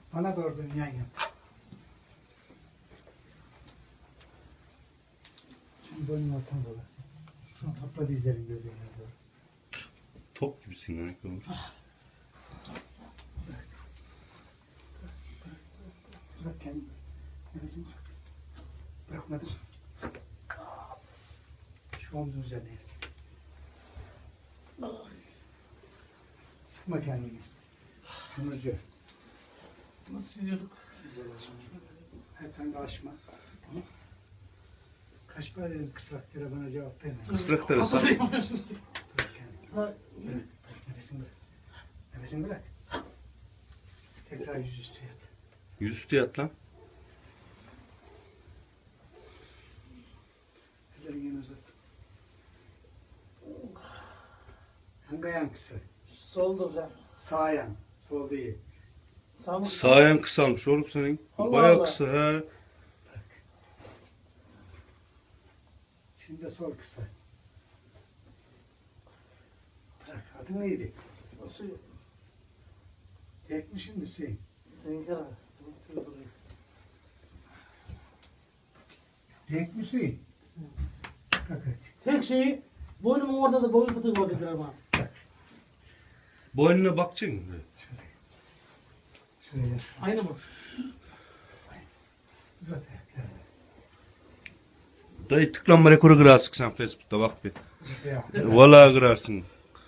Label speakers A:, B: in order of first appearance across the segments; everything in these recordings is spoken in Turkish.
A: Bana doğru dön yan yat. Şimdi boynun altına dola. Şunu topla dizlerin gövdene doğru.
B: Top gibisin lan.
A: Bırak kendini. Nefesini bırak. Bırakmadım. Şu omzun üzerine yat. Sıkma kendini. Kömürcü.
C: Nasıl yiyorduk?
A: Erkan karışma. Tamam. Kaç para dedim kısraklara bana cevap verme.
B: Kısrak terası.
A: Bırak kendini. Bırak. Nefesini bırak. Nefesini bırak. Tekrar yüzüstü yat.
B: Yüzüstü yat lan.
A: Ellerini yine uzat. Hangi ayağın kısa?
C: Soldur can.
A: Sağ ayağın. Sol değil.
C: Sağ mı?
B: Sağ ayağın kısalmış oğlum senin.
C: Allah
B: Bayağı
C: Allah.
B: kısa he.
A: Şimdi de sol kısa. Bırak. Adın neydi?
C: Nasıl?
A: Tek mi şimdi Hüseyin?
C: Tenkere.
A: Tek mi Hüseyin? Kalk hadi.
C: Tek şeyi boynumun orada da boyun fıtığı var dediler ama.
B: Boynuna bakacaksın.
A: Şöyle yaslan.
C: Aynı mı?
A: Uzat ayaklarını.
B: Dayı tıklanma rekoru kırarsın sen Facebook'ta bak bir.
A: Ya.
B: Vallahi kırarsın.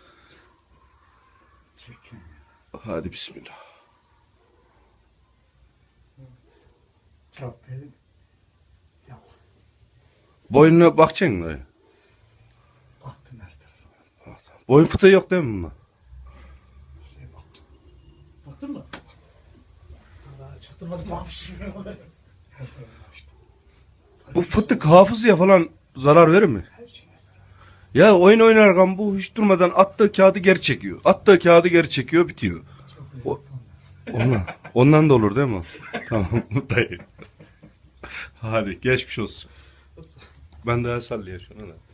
A: Çek.
B: Hadi bismillah.
A: Çap verin. Yap.
B: Boynuna bakacaksın dayı.
A: Baktın her tarafa.
B: Boyun fıtığı yok değil mi bunda?
A: Hüseyin bak.
C: Baktın mı? Allah çaktırmadım bakmışım.
A: Her tarafa açtı.
B: Bu fıtık hafızaya falan zarar verir mi?
A: Her şeyine zarar.
B: Ya oyun oynarken bu hiç durmadan attığı kağıdı geri çekiyor. Attığı kağıdı geri çekiyor bitiyor.
A: Çok
B: O-
A: önemli.
B: Ondan da olur değil mi? Tamam dayı. Hadi geçmiş olsun. Ben de el sallaya şuna da.